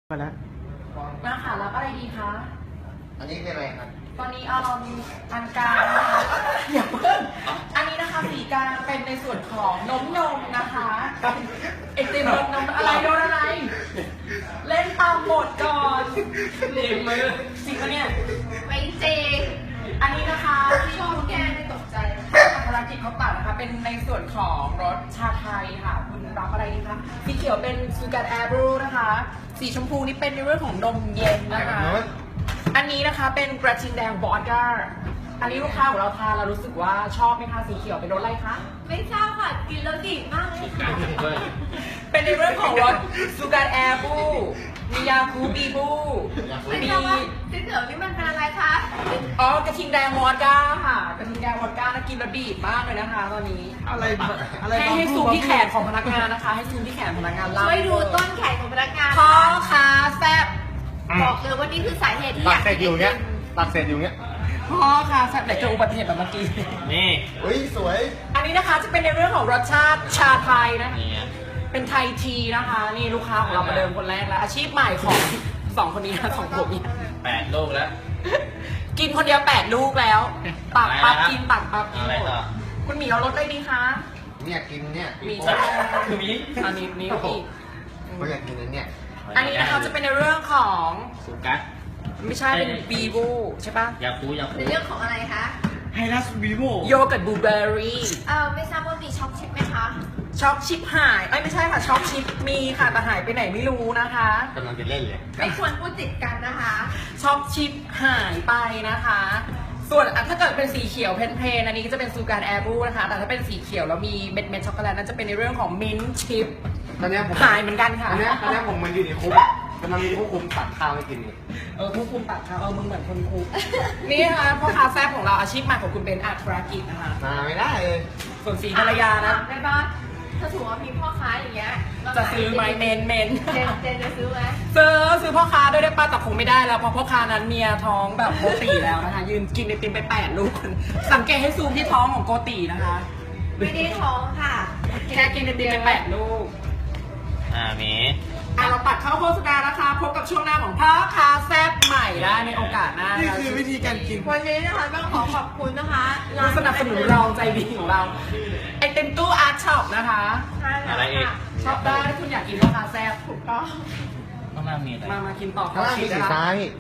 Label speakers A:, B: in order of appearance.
A: มาแล้ว
B: มาค่ะรับอะไรดีคะ
C: อันนี้คืออะไรครับ
B: ตอนนี้อันกลางนะคะอย่าเพิ่งอันนี้นะคะสีกลางเป็นในส่วนของนมนะคะไอติมนมอะไรโดนอะไร เล่นตามบทก่อนเรียนมือจริงปะเนี่ย
D: ไม่จริง
B: อันนี้นะคะที่
D: ชอบแกไม่ตกใจ
B: ภารกิจเขาตัดนะคะเป็นในส่วนของรสชาไทยค่ะคุณรับอะไรดีคะสีเขียวเป็นซูการ์แอร์บรูนะคะสีชมพูนี่เป็นในเรื่องของนมเย็นนะคะ อันนี้นะคะเป็นกระทิงแดงวอดก้าอันนี้ลูกค้าของเราทานเรารู้สึกว่าชอบไหมคะสีเขียวเป็นรสอะไรคะ
D: ไม่ทราบค่ะ กินแล้วดีมากเลยค่ะ
B: เป็นในเรื่องของรสซูการ์แอร์บูมียาคูบีบู
D: ไม่
B: มี
D: ทราบว่าสีเหลืองนี่มันเป็นอะไรคะ
B: อ๋อกระทิงแดงวอดก้าค่ะกระทิงแดงวอดก้านะกินแล้วดีดมากเลยนะคะตอนนี้
A: อะไร
B: ให้ซูมที่แขนของพนักงานนะคะให้ซูมที่แขนพนักงานล่าง
D: ช่วยดูต้นแขนของพนักงาน
B: พ่อค้าแซ่บ
D: บอกเลยว่านี่คือสาเหตุที่อ
C: ตั
D: ยาก ก
C: เสร็จอยู่เนี้ยตักเสร็จอยู่เนี้ย
B: พ่อค้าแซ่บแต่เจออุบัติเหตุแบบเมื่อกี้
E: นี่
C: เฮ้ยสวย
B: อันนี้นะคะจะเป็นในเรื่องของรสชาติชาไทยนะ
E: นี่ไง
B: เป็นไทยทีนะคะ นี่ลูกค้าของเรามาเดิมคนแรกแล้ว อาชีพใหม่ของสองคนนี้นะสองผมเนี่ย
E: 8 ลูกแล้ว
B: กินคนเดียว8 ลูกแล้วตักปั๊บ
E: อะไรนะ
B: กินตักปั๊บกิน
E: อะไร
B: หมด
E: ต่อ
B: คุณหมีเอารสได้ดีคะ
C: เนี่ยกินเนี่ย
B: มี
C: โ
B: ใช่ไหม
E: คือมี
B: อันนี้นี่อีก
C: เขาอยากกินอันเนี่ย
B: อันนี้นะคะจะเป็นในเรื่องของ
E: สุกัส
B: ไม่ใช่เป็นบีบูใช่ปะ
E: ยาคู
D: ในเรื่องของอะไรคะ
A: ไฮรัสวีโว
B: โยเกิร์ตบลูเบอร์รี่
D: ไม่ทราบว่ามีช็อกชิปไหมคะ
B: ช็อกชิปหายเอ้ยไม่ใช่ค่ะช็อกชิปมีค่ะแต่หายไปไหนไม่รู้นะคะ
C: กำลังจะเล่นเลย
D: ไม่ควรพูดติดกันนะคะ
B: ช็อกชิปหายไปนะคะ ส่วนถ้าเกิดเป็นสีเขียวเพลนๆอันนี้ก็จะเป็นซูการ์แอร์บูนะคะ แต่ถ้าเป็นสีเขียวแล้วมีเม็ดช็อกโกแลตนั่นจะเป็นในเรื่องของมิ้นท์ชิพ
C: ตอนเนี้ยผม
B: หายเหมือนกันค่ะ
C: ตอนเนี้ยผมมาอยู่ในคุกกำลังมีผู้คุมตักข้าวให้กินอยู่
B: ผู้คุมตัดค่ะมึงเหมือนคนคุก นี่นะคะพ่อค้าแซ่บของเราอาชีพใหม่ของคุณเบนอัดธุรกิจนะคะ
C: มาไม่ได้เลย
B: ส่วนสีภรรยานะ
D: ได้ปะถ้าถือว่ามีพ่อค้าอย่างเงี้ย
B: จะซื้อไหมเมน
D: เจนจะซื้อไหม
B: ซื้อพ่อค้าด้วยได้ป้าแต่คงไม่ได้แล้วเพราะพ่อค้านั้นเมียท้องแบบโกติแล้วนะคะยืนกินไอติมไป8 ลูกสังเกตให้ซูมที่ท้องของโกตินะคะ
D: ไม่ได้ท้องค่ะ
B: แค่กินไอติมไป8 ลูก
E: มี
B: เราตัดเข้าโฆษณานะคะพบกับช่วงหน้าของพ่อค้าแซ่บใหม่ได้ในโอกาสหน้า
A: นี่
B: นะ
A: คือวิธีการกิน
D: วันนี้นะคะต้องขอขอบคุณนะคะ
B: ผู้สนับสนุนเราใจดีของเราไอติมตู้อาร์ตช็อปนะคะ
D: ใช่แล้ว
E: อะไรอีก
D: ค่ะ
B: ชอบได้ถ้าคุณอยากกินพ่อค้าแซ่บถูกต้อง
E: ข้างล่างมีอะไร
B: มากินต่อ
C: ข้างล่างมีสี
B: นะคะ
C: ซ้าย